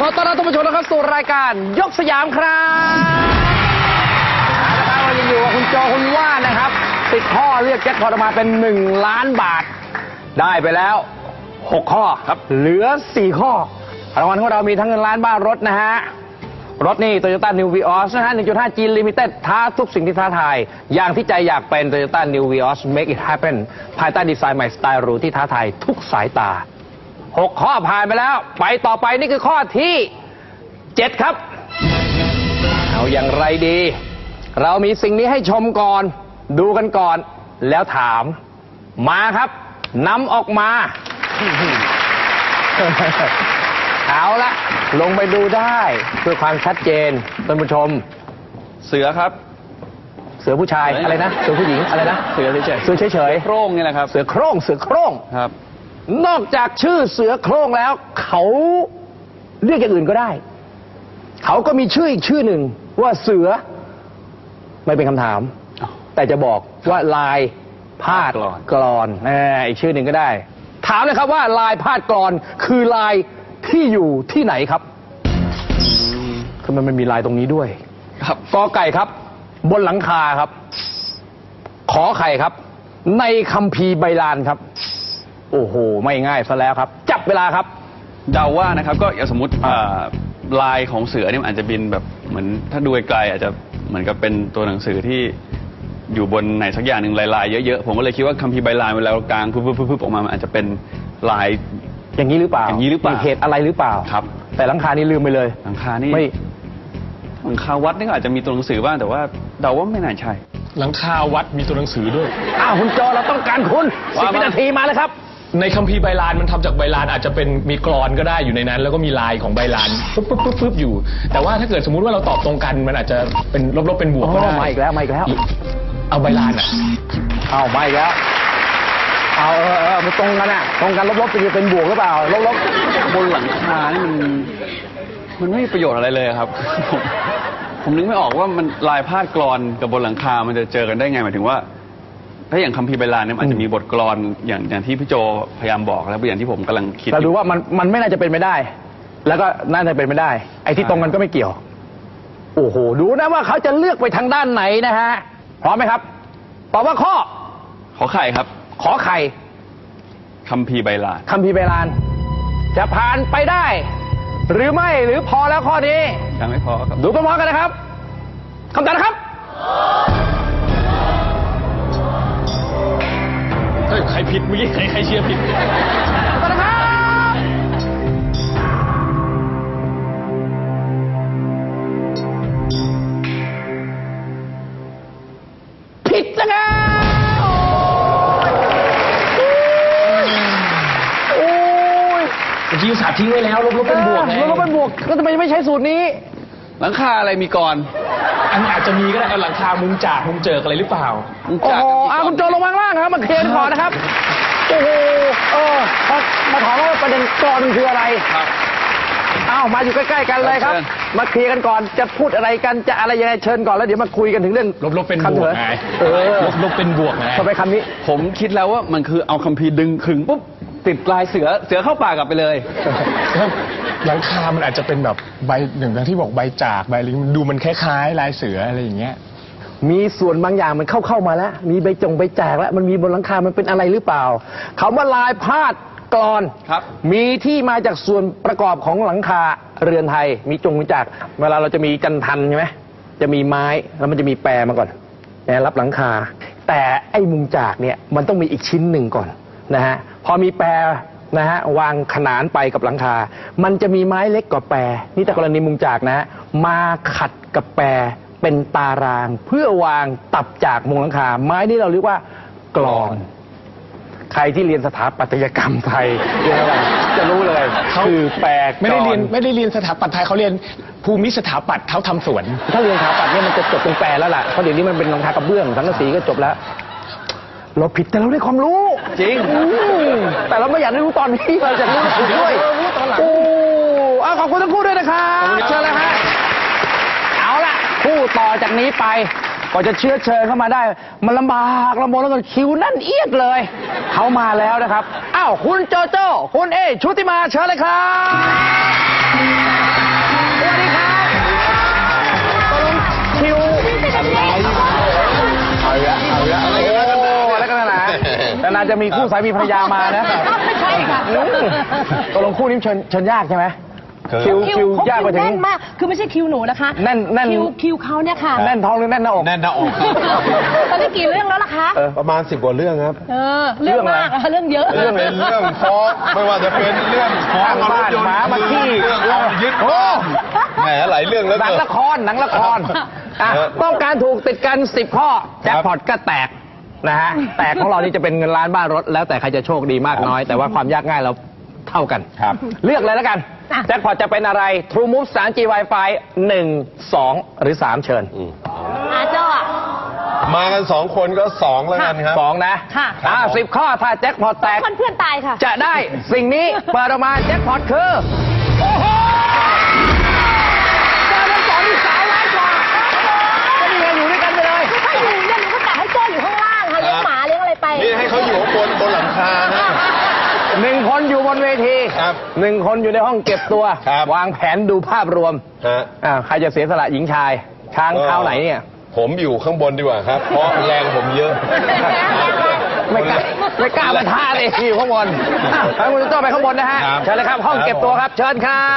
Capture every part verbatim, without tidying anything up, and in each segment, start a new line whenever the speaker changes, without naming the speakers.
อต้อนรับท่านผู้ชมนะครับสู่รายการยกสยามครับนะครับเรายังอยู่กับคุณโจคุณว่านะครับสิบข้อเรียกแจ็คพอตออกมาเป็นหนึ่งล้านบาทได้ไปแล้วหกข้อครับเหลือสี่ข้อรางวัลของเรามีทั้งเงินล้านบ้านรถนะฮะรถนี่ Toyota New Vios นะฮะ หนึ่งจุดห้า G Limited ท้าทุกสิ่งที่ท้าทายอย่างที่ใจอยากเป็น Toyota New Vios Make it happen ภายใต้ดีไซน์ใหม่สไตล์หรูที่ท้าทายทุกสายตาหกข้อผ่านไปแล้วไปต่อไปนี่คือข้อที่เจ็ดครับเอาอย่างไรดีเรามีสิ่งนี้ให้ชมก่อนดูกันก่อนแล้วถามมาครับนำออกมา เอาละลงไปดูได้เพื่อความชัดเจนท่านผู้ชม
เสือครับ
เสือผู้ชายอะไรนะเสือผู้หญิงอะไรนะ
เสือเฉยๆ
เสือเฉยๆ
โคร่งนี่แหละครับ
เสือโคร่งเสือโคร่ง
ครับ
นอกจากชื่อเสือโคร่งแล้วเขาเรียกอย่างอื่นก็ได้เขาก็มีชื่ออีกชื่อหนึ่งว่าเสือไม่เป็นคำถามแต่จะบอกว่าลายพาดกลอนอีกชื่อหนึ่งก็ได้ถามเลยครับว่าลายพาดกลอนคือลายที่อยู่ที่ไหนครับคือมันมีลายตรงนี้ด้วย
ครับ
กอไก่ครับบนหลังคาครับขอไข่ครับในคัมภีร์ไบลานครับโอ้โหไม่ง่ายซะแล้วครับจับเวลาครับ
เดาว่านะครับก็อย่างสมมติลายของเสือเนี่ยอาจจะบินแบบเหมือนถ้าดูไกลอาจจะเหมือนกับเป็นตัวหนังสือที่อยู่บนไหนสักอย่างหนึ่งลายๆเยอะๆผมก็เลยคิดว่าคัมภีร์ไบลานเวลากลางพึบๆๆออกมามันอาจจะเป็นลาย
อย่างนี้หรือเปล่า
อย่างนี้หรือเปล่า
มีเหตุอะไรหรือเปล่า
ครับ
แต่หลังคานี่ลืมไปเลย
หลังคานี่
ไม่
หลังคาวัดนี่ก็อาจจะมีตัวหนังสือบ้างแต่ว่าเดาว่าไม่น่าใช่
หลังคาวัดมีตัวหนังสือด้วย
อ้าวคุณโจเราต้องการคุณสิบวินาทีมาเลยครับ
ในคัมภีร์ไบลานมันทำจากไบลานอาจจะเป็นมีกลอนก็ได้อยู่ในนั้นแล้วก็มีลายของไบลานปุ๊บปุ๊บปุ๊บปุ๊บอยู่แต่ว่าถ้าเกิดสมมุติว่าเราตอบตรงกันมันอาจจะเป็นลบๆเป็นบวกก็ได้
มาอีกแล้วมาอีกแล้ว
เอาไบลานอ่ะ
เอามาอีกแล้วเอาเออเออมันตรงกันอ่ะตรงกันลบๆเป็นเป็นบวกหรือเปล่าลบ
ๆบนหลังคานี่มันมันไม่มีประโยชน์อะไรเลยครับผมผมนึกไม่ออกว่ามันลายพาดกลอนกับบนหลังคามันจะเจอกันได้ไงหมายถึงว่าถ้าอย่างคัมภีร์ไบลานเนี่ยอาจจะมีบทกลอนอย่างอย่างที่พี่โจพยายามบอกแล้วอย่างที่ผมกำลังคิด
เราดูว่ามันมันไม่น่าจะเป็นไม่ได้แล้วก็น่าจะเป็นไม่ได้ไอ้ที่ตรงกันก็ไม่เกี่ยวโอ้โหดูนะว่าเขาจะเลือกไปทางด้านไหนนะฮะพร้อมไหมครับตอบว่าข้อ
ขอไข่ครับ
ขอไข่
คัมภีร์ไบลาน
คัมภีร์ไบลานจะผ่านไปได้หรือไม่หรือพอแล้วข้อนี้
ยังไม่พอครับ
ดูพร้อมๆกันนะครับคำตอบนะครับ
ใครผิดเมื่อกี้ใครใครเชียร์ผิด
คำตอบนะครับผิดนะครับโอ้ย
เมื่อกี้สาทิ้งไว้แล้วลบๆเป็นบวกไง
ลบๆเป็นบวกก็ทำไมไม่ใช้สูตรนี้
หลังคาอะไรมีก่อน
อันอาจจะมีก็ได้เอาหลังคามุงจากมุงเจิกอะไรหรือเปล่า
โอ้โหอาคุณโจลงมาล่างครับมาเคลียร์ก่อนนะครับโอ้โหเออมาถามว่าประเด็นกรอนคืออะไร
ครับ
อ้าวมาอยู่ใกล้ๆกันเลยครับมาเคลียร์กันก่อนจะพูดอะไรกันจะอะไรยังไงเชิญก่อนแล้วเดี๋ยวมาคุยกันถึงเรื่อง
ลบๆเป็นบวกไง
เออ
ลบๆเป็นบวกไง
ทำไมคำนี้
ผมคิดแล้วว่ามันคือเอาคัมภีร์ดึงขึงปุ๊บติดลายเสือเสือเข้าปากกลับไปเลย
หลังคามันอาจจะเป็นแบบใบหนึ่งที่บอกใบจากใบลิงดูมันคล้ายๆลายเสืออะไรอย่างเงี้ย
มีส่วนบางอย่างมันเข้าเข้ามาแล้วมีใบจงใบจากแล้วมันมีบนหลังคามันเป็นอะไรหรือเปล่าคำว่าลายพาดกลอน
ครับ
มีที่มาจากส่วนประกอบของหลังคาเรือนไทยมีจงมีจากเวลาเราจะมีจันทันใช่ไหมจะมีไม้แล้วมันจะมีแปรมาก่อนแปรรับหลังคาแต่ไอ้มุงจากเนี่ยมันต้องมีอีกชิ้นหนึ่งก่อนนะฮะพอมีแปรนะฮะวางขนานไปกับหลังคามันจะมีไม้เล็กกว่าแปรนี่แต่กรณีมุงจากนะมาขัดกับแปรเป็นตารางเพื่อวางตับจากมุงหลังคาไม้นี่เราเรียกว่ากลอนใครที่เรียนสถาปัตยกรรมไทยจะรู้เลยคือแปลก
ไม่ได้เรียนไม่ได้เรียนสถาปัตย์ไทยเขาเรียนภูมิสถาปัตย์เขาทำสวน
ถ้าเรียนสถาปัตย์เนี่ยมันจะจบตรงแปรแล้วล่ะเพราะเดี๋ยวนี้มันเป็นหลังคากระเบื้องสังกะสีก็จบแล้วเราผิดแต่เราได้ความรู้
จริง
แต่เราไม่อยากได้รู้ตอนนี้เราจะรู้ถูกด้วย
รู้ตอนหลัง
โอ้เอาขอบคุณทั้งคู่ด้วยนะครับเชิญเลยฮะเอาล่ะคู่ต่อจากนี้ไปก็จะเชื้อเชิญเข้ามาได้มันลำบากลำบนแล้วก็คิวนั่นเอียดเลยเขามาแล้วนะครับอ้าวคุณโจโจ้คุณเอชุติมาเชิญเลยครับวัสดีครับตกลงคิวอะไรเอาละเอาละโอ้แล้วกันนะแต่นานจะมีคู่สามีภรรยามานะ
ไม่ใช่ค่ะ
ตกลงคู่นี้เชิญเชิญยากใช่ไหมคิวคิว
เขา
ยากไปถึง
แน่นมาก คือไม่ใช่คิวหนูนะคะ
แน่นแน่น
คิวคิวเขาเนี่ยค่ะ
แน่นท้องหรือแน่นหน้าอก
แน่นหน้าอก
ตอนนี้กี่เรื่องแล้วล่ะคะ
เออ
ประมาณสิบกว่าเรื่องครับ
เออ เรื่องมากอะเรื่องเยอะ
เรื่องเป็นเรื่องฟ้องไม่ว่าจะเป็นเรื่องฟ้อง
ข้างบ้านหมามาขี้
เรื่องเอายึดบ้านแหมหลายเรื่องแล้ว
หนัง
เกิน
ละครหนังละครอ่ะ
เออ
ต้องการถูกติดกันสิบข้อแจ็คพอตก็แตกนะฮะแตกของเรานี่จะเป็นเงินล้านบ้านรถแล้วแต่ใครจะโชคดีมากน้อย แต่ว่าความยากง่ายเราเท่ากัน
ครับ
เลือกเลยแล้วกัน
อ่ะ
แจ็คพอตจะเป็นอะไร True Move สาม จี Wi-Fi หนึ่ง สอง หรือ สาม เชิญ
อาเจ้าอ่ะ
มากันสองคนก็สองแล้วกันครับ
สองนะ
ค่ะ
อ่าสิบข้อถ้าแจ็คพอตแตก
คนเพื่อนตายค่ะ
จะได้สิ่งนี้เปิดออกมาแจ็คพอตคือ โอ้โหเจอทั้งสองที่สาวร้ายกว่าก็นี่ไงอยู่ด้วยกันไปเลย
ถ้าอยู่เนี่ยหนูก็กะให้โจ้อยู่ข้างล่างค่ะเลี้ยงหมาเลี้ยงอะไรไป
นี่ให้เขาอยู่ข้างบนบนหลังคาฮะ
หนึ่งคนอยู่บนเวที
ครับ
หนึ่งคนอยู่ในห้องเก็บตัว
ครับ
วางแผนดูภาพรวม
ฮะ
อ่าใครจะเสียสละหญิงชาย ช้างเท้าไหนเนี่ย
ผมอยู่ข้างบนดีกว่าครับ เพราะแรงผมเยอะ
ไม่กล้าไม่กล้ามาท่าเลยอยู่ข้างบนอ่ะให้คุณโจ้ไปข้างบนนะฮะ
ครับ
เชิญเลยครับ ห้องเก็บตัวครับ เชิญครับ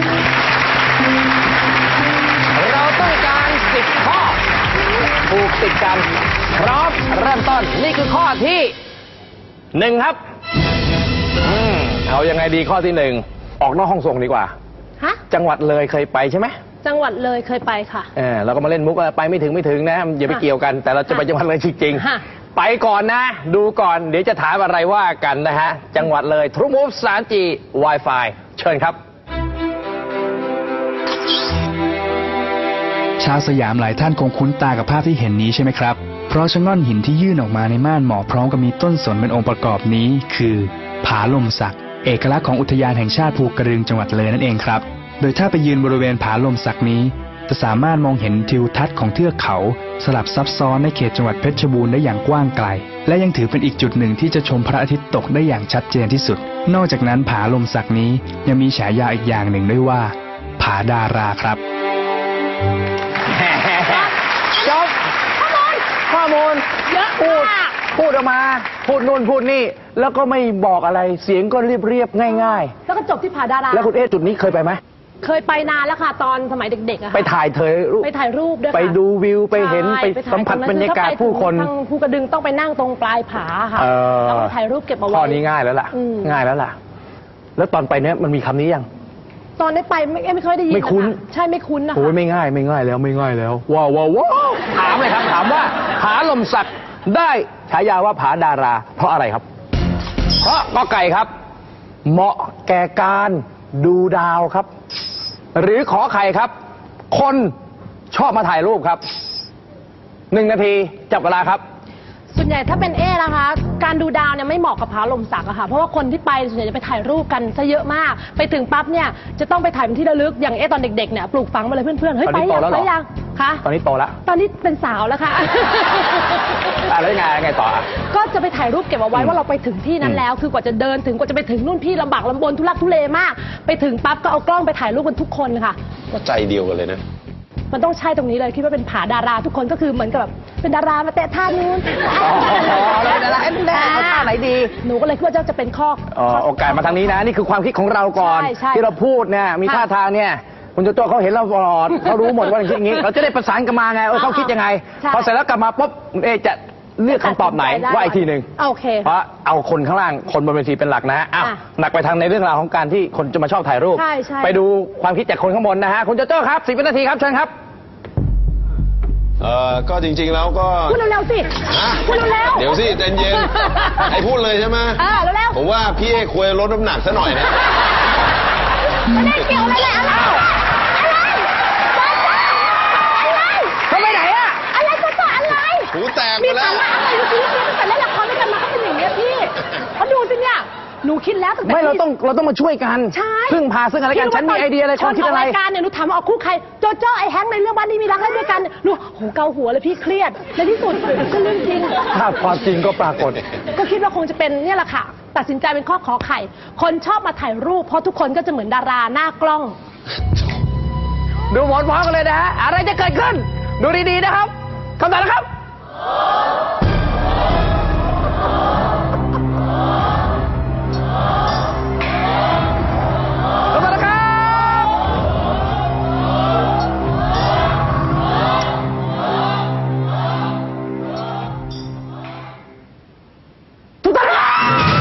เราต้องการสิบข้อถูกติดกัน พร้อมเริ่มต้น นี่คือข้อที่หนึ่งครับอืมเอายังไงดีข้อที่หนึ่งออกนอกห้องส่งดีกว่า
ฮะ
จังหวัดเลยเคยไปใช่ไหม
จังหวัดเลยเคยไปค่ะ
เออเราก็มาเล่นมุกว่าไปไม่ถึงไม่ถึงนะอย่าไป
ค่ะ
เกี่ยวกัน แต่เราจะไปจังหวัดเลยจริง
ค่ะ
ๆไปก่อนนะ ดูก่อนเดี๋ยวจะถามอะไรว่ากันนะฮะ จังหวัดเลย True Move สาม จี Wi-Fi เชิญครับ
ชาวสยามหลายท่านคงคุ้นตากับภาพที่เห็นนี้ใช่ไหมครับ เพราะชะง่อนหินที่ยื่นออกมาในม่านหมอกพร้อมกับมีต้นสนเป็นองค์ประกอบนี้ คือ ผาลมสัก เอกลักษณ์ของอุทยานแห่งชาติภูกระดึงจังหวัดเลยนั่นเองครับ โดยถ้าไปยืนบริเวณผาลมสักนี้ จะสามารถมองเห็นทิวทัศน์ของเทือกเขา สลับซับซ้อนในเขตจังหวัดเพชรบูรณ์ได้อย่างกว้างไกล และยังถือเป็นอีกจุดหนึ่งที่จะชมพระอาทิตย์ตกได้อย่างชัดเจนที่สุด นอกจากนั้นผาลมสักนี้ยังมีฉายาอีกอย่างหนึ่งด้วยว่า ผาดาราครับ
จบข้อมูล
เยอะ
พูด
มาก
พูดออกมา พูดนู่นพูดนี่ แล้วก็ไม่บอกอะไรเสียงก็เรียบเรียบๆง่าย
แล้วก็จบที่ผาดารา
ๆ แล้วคุณเอ๊ะจุดนี้เคยไปไหม
เคยไปนานแล้วค่ะ ตอนสมัยเด็กๆอะค่ะ
ไปถ่ายเธอรูป
ไปถ่ายรูปด้วยค่ะ
ไปดูวิวไปเห็น
ใช่
ไป
ถ่
สัมผัส
ตง
บรรยากาศ
อถ้ไป
ผู้คน
ทางภูกระดึงต้องไปนั่งตรงปลายผาค่ะ
เออ
แล้วก็ถ่ายรูปเก็บเอาไว้
ข้อนี้ง่ายแล้วล่ะ
อืม
ง่ายแล้วล่ะ แล้วตอนไปเนี้ยมันมีคำนี้ยัง
ตอนได้ไปไม่ไม่ค่อยได้ยิน
ไม่คุ้น
ะะใช่ไม่คุ้นนะคะ
โอ้ยไม่ง่ายไม่ง่ายแล้วไม่ง่ายแล้วว้าวว้าวว้าวถามเลยครับ ถามว่าผาลมสักได้ฉายาว่าผาดารา เพราะอะไรครับ เพราะก็ไก่ครับ เหมาะแก่การดูดาวครับ หรือขอไข่ครับ คนชอบมาถ่ายรูปครับหนึ่งนาทีจับเวลาครับ
ส่วนใหญ่ถ้าเป็นเอ๊นะคะ การดูดาวเนี่ยไม่เหมาะกับผาลมสักอะค่ะ เพราะว่าคนที่ไปส่วนใหญ่จะไปถ่ายรูปกันซะเยอะมาก ไปถึงปั๊บเนี่ยจะต้องไปถ่ายเป็นที่ระลึก อย่างเอ๊ตอนเด็กๆเนี่ยปลูกฝังมาเลยเพื่อนๆ เฮ้ย
ตอน
ไป
นี้โต
ยัง
แล้วเหร
ไป
อ
ยังคะ
ตอนนี้โตแล้ว
ตอนนี้เป็นสาวแล้วค่ะ
อ่ะแล้วยังไงยังไงต่ออ่ะ
ก็จะไปถ่ายรูปเก็บเอาไว้ว่าเราไปถึงที่นั้นแล้ว คือกว่าจะเดินถึงกว่าจะไปถึงนู่นพี่ลำบากลำบนทุลักทุเลมาก ไปถึงปั๊บก็เอากล้องไปถ่ายรูปกันทุกคนค่ะ
ก็ใจเดียวกันเลยนะ
มันต้องใช่ตรงนี้เลยคิดว่าเป็นผาดาราทุกคนก็คือเหมือนกับแบบเป็นดารามาแตะท่านู้น
อ๋อแล้วเป็นดาราเอ๊ะแน่เอาท่าไหนดี
หนูก็เลยคิดว่าจะเป็นข้อ
อ๋อโอกาสมาทางนี้นะ นี่คือความคิดของเราก่อน
ใช่ใช่
ที่เราพูดเนี่ยมี
ค่ะ
ท่าทางเนี่ยคุณโจโจ้เขาเห็นเราตลอดเขารู้หมดว่าอย่างนี้อย่างนี้เราจะได้ประสานกันมาไงเออเขาคิดยังไง
ใช่
พอเสร็จแล้วกลับมาปุ๊บเอะจะเลือกคำตอบไหน
ตัดสินใจได้
ว่าอีกทีหนึ่ง
โอเค
เพราะเอาคนข้างล่างคนบนเวทีเป็นหลักนะอ้าว
อ่ะ
หนักไปทางในเรื่องราวของการที่คนจะมาชอบถ่ายรูป
ใช่ใช่
ไปดูความคิดจากคนข้างบนนะฮะคุณโจโจ้ครับสิบวินาทีครับเชิญครับ
เออก็จริงๆแล้วก็
พูดเร็วๆสิ
ฮะ
พูดเร็วๆ
เดี๋ยวสิใจเย็นไอ้พูดเลยใช่ไหม
เออเร็ว
ผมว่าพี่เอควรลดน้ำหนักซะหน่อยนะ
ๆไม่ได้เกี่ยวอะไรเลยอะไรอะไรอะไร
เขาไปไหนอะ
อะไรก็ต่ออะไร
หูแตกห
มี
มดแล้
สาว ระอะไรดูสิตั้งแต่เล่นละครด้วยกันมาก็เป็นอย่างนี้ยพี่เขาดูสิเนี่ยหนูคิดแล้วตั้งแต่
ไม่เรา
ที่
ต้องเราต้องมาช่วยกัน
ใช่
พึ่งพาซึ่งกันและกันฉันมีไอเดียอะไรความคิดอะไร
ตนกรายการเนี่ยหนูถามว่าออกคู่ใครโจโจ้ไอ้แฮงค์ในเรื่องบ้านนี้มีรักได้ด้วยกันหนูโหเกาหัวเลยพี่เครียดในที่สุดก็เรื่องจริง
ถ้าความจริงก็ปรากฏ
ก็คิดว่าคงจะเป็นเนี่ยแหละค่ะ ตัดสินใจเป็นข้อขอไข่ คนชอบมาถ่ายรูปเพราะทุกคนก็จะเหมือนดาราหน้ากล้อง
ดูผลพร้อมกันเลยนะฮะอะไรจะเกิดขึ้น ดูดีๆนะครับคำตอบนะครับคำตอบนะครับถูกต้องครับ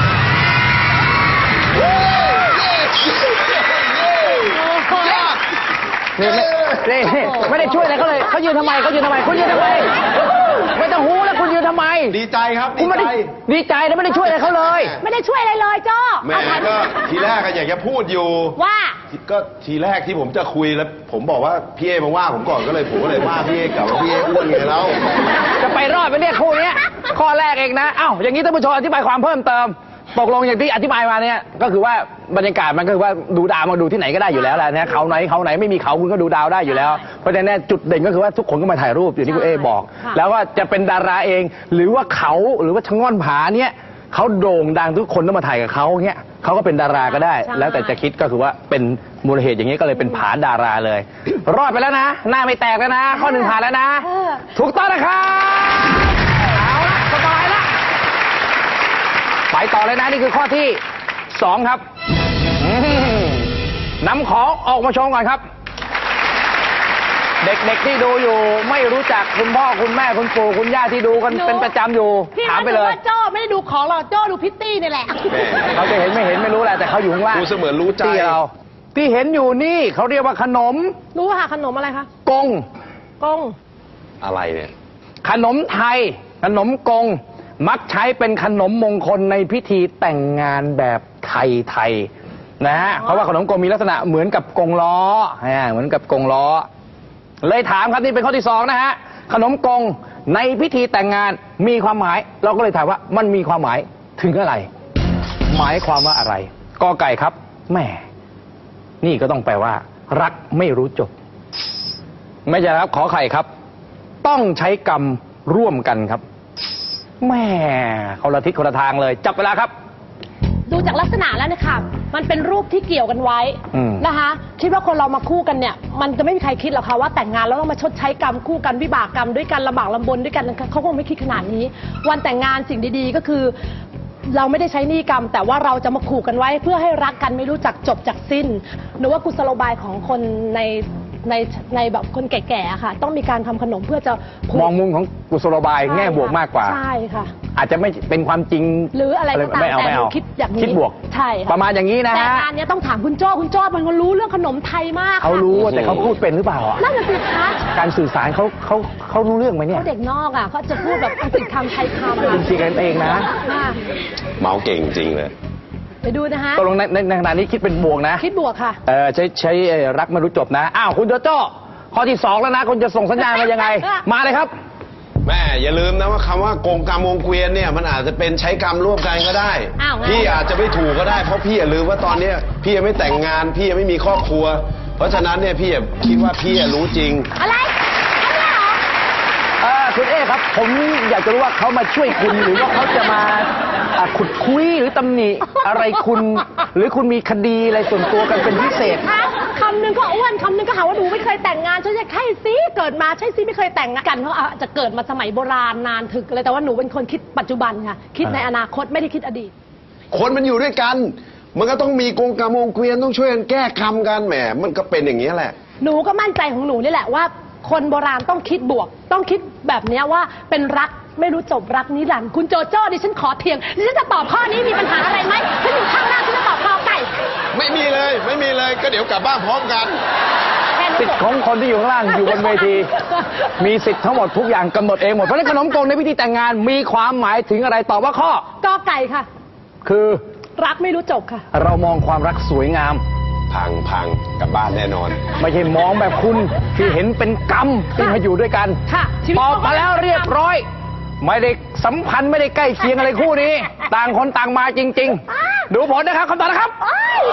นี่ไม่นี่ไม่ได้ช่วยอะไรเขาเลยเขายืนทำไมเขายืนทำไมคุณยืนทำไมไม่ต้องหูแล้วคุณยืนทำไม
ดีใจครับ
คุ
ดี
ณไม่
ใจ
ได้ดีใจแล้วไม่ได้ช่วยอะไรเขาเลย
ไม่ได้ช่วยอะไรเลยโจ้
แม่ก็ทีแรกก็อยากจะพูดอยู่
ว่า
ก็ทีแรกที่ผมจะคุยแล้ว ผมบอกว่าพี่เอมาว่าผมก่อนก็เลยผมก็เลยว่าพี่เอกลับว่าพี่เออ้วนไงแล้ว
จะไปรอดไปเนี่ยคู่เนี้ยข้อแรกเองนะเอ้าอย่างนี้ท่านผู้ชมอธิบายความเพิ่มเติมตกลงอย่างที่อธิบายมาเนี่ยก็คือว่าบรรยากาศมันก็คือว่าดูดาวมาดูที่ไหนก็ได้อยู่แล้วแหละนะเขาไหนเขาไหนไม่มีเขาคุณก็ดูดาวได้อยู่แล้วเพราะฉะนั้นจุดเด่นก็คือว่าทุกคนก็มาถ่ายรูปอย่างที่คุณเอบอก แล้วว่าจะเป็นดาราเอง หรือว่าเขาหรือว่าชะง่อนผาเนี่ยเขาโด่งดังทุกคนต้องมาถ่ายกับเขาเงี้ยเขาก็เป็นดาราก็ได้ แล้วแต่จะคิดก็คือว่าเป็นมูลเหตุอย่างนี้ก็เลยเป็นผาดาราเลย รอดไปแล้วนะ หน้าไม่แตกแล้วนะ ข้อหนึ่งผ่านแล้วนะ ถูกต้องนะครับเอาละสบายละไปต่อเลยนะนี่คือข้อที่สองครับอืมนำของออกมาโชว์ก่อนครับ เด็กๆที่ดูอยู่ไม่รู้จักคุณพ่อคุณแม่คุณปู่คุณย่าที่ดูกัน
หนู
เป็นประจำอยู่
พี่
ถาม
เขา
ไป
ถื
เล
อย ว่าโจ้ไม่ได้ดูของหรอกโจ้ดูพิตตี้นี่แหละ
เขาจะเห็นไม่เห็นไม่รู้แหละแต่เขาอยู่ข้างล่าง
ดูเสมือนรู้ใจ
ที่เราที่เห็นอยู่นี่เขาเรียกว่าขนม
รู้ค่ะขนมอะไรคะ
กง
กง
อะไรเนี่ย
ขนมไทย ขนมกง มักใช้เป็นขนมมงคลในพิธีแต่งงานแบบไทยๆนะฮะเพราะว่าขนมกงมีลักษณะเหมือนกับกงล้ออ่าเหมือนกับกงล้อ เลยถามครับนี่เป็นข้อที่สองนะฮะขนมกงในพิธีแต่งงานมีความหมาย เราก็เลยถามว่ามันมีความหมายถึงอะไร หมายความว่าอะไรกอไก่ครับแหม่นี่ก็ต้องแปลว่า รักไม่รู้จบ ไม่ใช่ครับขอไข่ครับ ต้องใช้กรรมร่วมกันครับแหม่คนละทิศคนละทางเลยจับเวลาครับ
ดูจากลักษณะแล้วเนะคะมันเป็นรูปที่เกี่ยวกันไว้
อืม
นะคะ คิดว่าคนเรามาคู่กันเนี่ย มันจะไม่มีใครคิดหรอกค่ะว่าแต่งงานแล้วต้องมาชดใช้กรรมคู่กันวิบากกรรมด้วยกันลำบากลำบนด้วยกันเขาคงไม่คิดขนาดนี้ วันแต่งงานสิ่งดีๆก็คือ เราไม่ได้ใช้หนี้กรรม แต่ว่าเราจะมาขู่กันไว้ เพื่อให้รักกันไม่รู้จักจบจากสิ้นหนูว่ากุศโลบายของคนในในในแบบคนแก่ๆอะค่ะ ต้องมีการทำขนมเพื่อจะผูก
มองมุมของกุศโลบายแง่บวกมากกว่า
ใช่ค่ะ
อาจจะไม่เป็นความจริง
หรืออะไรก็ตาม
ไม่เอา
แต่
ไม่
หนู
เอา
คิดอย่างนี้
คิดบวก
ใช่ค่
ประมาณอย่างนี้นะ
แต่
ฮะ
งานเนี้ยต้องถามคุณโจ้คุณโจ้เป็นคนรู้เรื่องขนมไทยมาก
เขารู้แต่เขาพูดเป็นหรือเปล่าอ่ะ
นั่นน่ะสิคะ
การสื่อสารเขาเขาเขารู้เรื่องไหมเนี่ย
เขาเด็กนอกอ่ะเขาจะพูดแบบอังกฤษคำไทยคำ
เป็นจริงกันเองนะ
ค่ะ
เมาเก่งจริงเลย
ไปดูนะคะ
ตกลงในในในขณะนี้คิดเป็นบวกนะ
คิดบวกค่ะ
เออใช้ใช้เอ่อรักไม่รู้จบนะ อ้าวคุณโจโจ้ข้อที่สองแล้วนะคุณจะส่งสัญญาณมายังไง มาเลยครับ
แม่อย่าลืมนะว่าคำว่ากงกรรมวงเกวียนเนี่ยมันอาจจะเป็นใช้กรรมร่วมกันก็ได้
อ้าวงั้น
พี่อาจจะไม่ถูกก็ได้เพราะพี่อย่าลืมว่าตอนเนี้ยพี่ยังไม่แต่งงานพี่ยังไม่มีครอบครัว เพราะฉะนั้นเนี่ยพี่อย่าคิดว่าพี่รู้จริง
อะไรอะไรเหรอ
เออคุณเอ๊ครับ ผมอยากจะรู้ว่าเขามาช่วยคุณหรือว่าเขาจะมาอ่ะขุดคุยหรือตำหนิอะไรคุณ หรือคุณมีคดีอะไรส่วนตัวกันเป็นพิเศษ
คะคำหนึ่งก็อ้วนคำหนึ่งก็หาว่าหนูไม่เคยแต่งงานฉันจะใช่สิเกิดมาใช่สิไม่เคยแต่งงานกันเขาอาจจะเกิดมาสมัยโบราณนานถึกเลยแต่ว่าหนูเป็นคนคิดปัจจุบันค่ะคิดในอนาคตไม่ได้คิดอดีต
คนมันอยู่ด้วยกัน มันก็ต้องมีกงกรรมวงเกวียนต้องช่วยกันแก้กรรมกันแหมมันก็เป็นอย่างนี้ยแหละ
หนูก็มั่นใจของหนูนี่แหละว่า คนโบราณต้องคิดบวก ต้องคิดแบบเนี้ยว่าเป็นรักไม่รู้จบรักนิรันดร์คุณโจโจ้ดิฉันขอเถียงดิฉันจะตอบข้อนี้มีปัญหาอะไรไหมฉันอยู่ข้างหน้าฉันจะตอบข้อไก่
ไม่มีเลยไม่มีเลยก็เดี๋ยวกลับบ้านพร้อมกัน
แค่นี้
สิทธิ์ของคนที่อยู่ข้างล่างอยู่บนเวที มีสิทธิ์ทั้งหมดทุกอย่างกำหนดเองหมดเพราะฉะนั้นขนมกงในพิธีแต่งงานมีความหมายถึงอะไรตอบว่าข้อ
กอไก่ค่ะ
คือ
รักไม่รู้จบค่ะ
เรามองความรักสวยงาม
พังพังกลับบ้านแน่นอน
ไม่ใช่มองแบบคุณที่เห็นเป็นกรรมที่มาอยู่ด้วยกัน
ค่ะชีวิต
ตอบมาแล้วเรียบร้อย ไม่ได้สัมพันธ์ไม่ได้ใกล้เคียงอะไรคู่นี้ ต่างคนต่างมาจริง ๆ ดูผลนะครับคำตอบนะครับ
โอ๊ย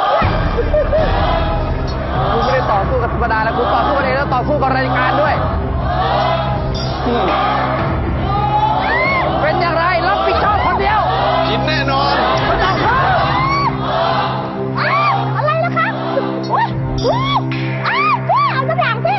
คุณไม่ได้ต่อสู้กับธรรมดาแล้วคุณต่อสู้กันเองแล้วต่อสู้กับรายการด้วยอืมเป็นอย่างไรรับผิดชอบคนเดียว
กินแน่นอน
ไม่ต้องเพิ่ม
อ้าวอะไรล่ะคะอุ๊ยอุ๊ยอ้าวเจ๊เอาสักอย่างสิ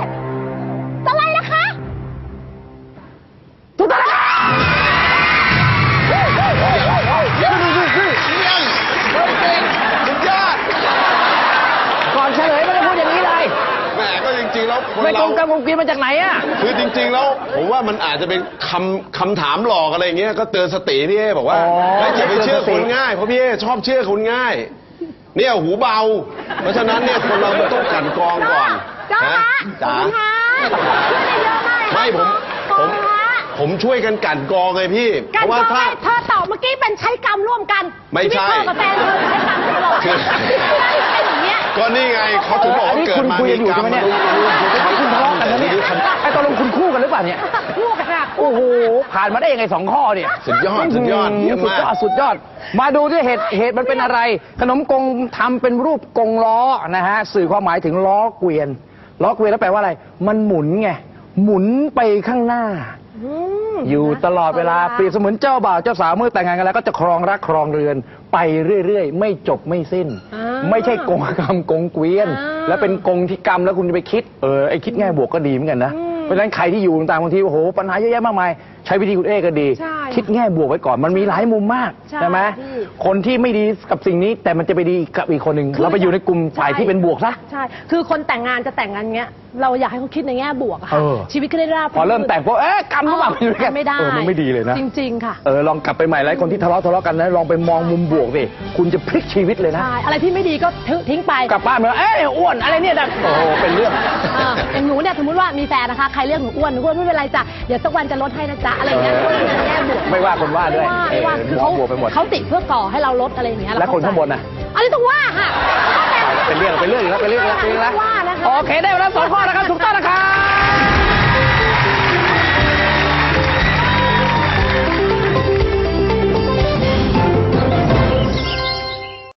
กงกรรมกงเกวียนมาจากไหนอ่ะ
คือจริงๆแล้วผมว่ามันอาจจะเป็นคำคำถามหลอกอะไรอย่างเงี้ยก็เตือนสติพี่เอบอกว่า
อ๋อ
เฮ้ยอย่าไปเชื่อ
เตื
ค
อน
น
สติ
ง่ายเพราะพี่เอชอบเชื่อคนง่าย เนี่ยหูเบา เพราะฉะนั้นเนี่ยคนเรามันต้องกลั่นกรองก่อน
จ้า
นะ
ฮะ
จ๋า
ขอบคุณฮะช่วยได้เยอะมากเลย
ไม่ผมผม
ฮะ
ผมช่วยกันกลั่นกรองไงพี่
กั
เพ
น
ราะว่า
ก็
ถ้า
ไม่เธอตอบเมื่อกี้เป็นใช้กรรมร่วมกัน
ไม่ใช่
ชีวิตพ่อกับแฟนเธอใช้กรรมร่วมกัน
คือ
เป็นอย่างเงี้ย
ก็นี่ไงเขาถึงบอก
อัน
ว่า
นี้
เกิ
คุ
ด
ณ
มา
คุย
มี
กันอยู่
กรร
ใช่
ม
ไหมเนี่ยคุณทะเลาะกันนะเนี่ยไอ้ตกลงคุณคู่กันหรือเปล่าเนี่ย
คู่กันอะ
โอ้โห ผ่านมาได้ยังไงสองข้อเนี่ย
สุดยอดสุดยอดเยี่ยม
สุด
มาก
ยอดสุดยอด มาดูที่เหตุเหตุมันเป็นอะไร ขนมกงทำเป็นรูปกงล้อนะฮะ สื่อความหมายถึงล้อเกวียน ล้อเกวียนแล้วแปลว่าอะไร มันหมุนไง หมุนไปข้างหน้า
อืม
อยู่ตลอดเวลาเปรียบเสมือนเจ้าบ่าวเจ้าสาวเมื่อแต่งงานกันแล้วก็จะครองรักครองเรือน ไปเรื่อยๆ ไม่จบไม่สิ้น
อ่า
ไม่ใช่กงกรรมกงเกวียน
อ่า
แล้วเป็นกงที่กรรมแล้วคุณจะไปคิดเออไอคิดแง่บวกก็ดีเหมือนกันนะ
อืม
เพราะฉะนั้นใครที่อยู่ต่างๆบางทีโอ้โหปัญหาเยอะแยะมากมายใช้วิธีคุณเอ้ก็ดี
ใช่
คิดแง่บวกไว้ก่อนมันมีหลายมุมมาก
ใช่
ไหม
พี่
คนที่ไม่ดีกับสิ่งนี้แต่มันจะไปดีกับอีกคนหนึ่งเราไปอยู่ในกลุ่มฝ่ายที่เป็นบวกซะ
ใช่ คือคนแต่งงานจะแต่งงานเงี้ย เราอยากให้เขาคิดในแง่บวกอะค่ะ
เออ
ชีวิตก็ได้ราบ
พอเริ่มแต่งพวกเอ๊ะกรรมหรือเปล่าอยู่ด้วยกัน
ไม่ได้
เออมันไม่ดีเลยนะ
จริง ๆ ค่ะ
เออลองกลับไปใหม่แล้วคนที่ทะเลาะทะเลาะกันนะลองไปมองมุมบวกดิคุณจะพลิกชีวิตเลยนะ
ใช่ อะไรที่ไม่ดีก็ทิ้งไป
กลับบ้านมาเอ้ยอ้วนอะไรเนี่ยนะโอ้โหเป็นเรื่อง
อ่าอย่างหนูเนี่ยสมมติว่ามีแฟนนะคะ ใครเรียกหนูอ้วนหนูอ้วนไม่เป็นไรจ้ะ เดี๋ยวสักวันจะลดให้นะจ๊ะ อะไรอย่างเงี้ย
เออ
ก็เป็นแง่บวก
ไม่ว่าคนว่าด้วย
ไม่ว่าไม่ว่า
เออ
คือเขา
บวกไปหมด
เขาติเพื่อก่อให้เราลดอะไรอย่างเงี้ย
และคนข้างบนน่ะ
อันนี้ต้องว่าค่ะ
เป็นเรื่องเป็นเรื่องอีกแล้วเป็นเรื่องอีกแล้วเป็นเรื่องอีกแล้ว
ว่านะคะ
โอเคได้เวลาสองข้อนะครับถูกต้องนะครับ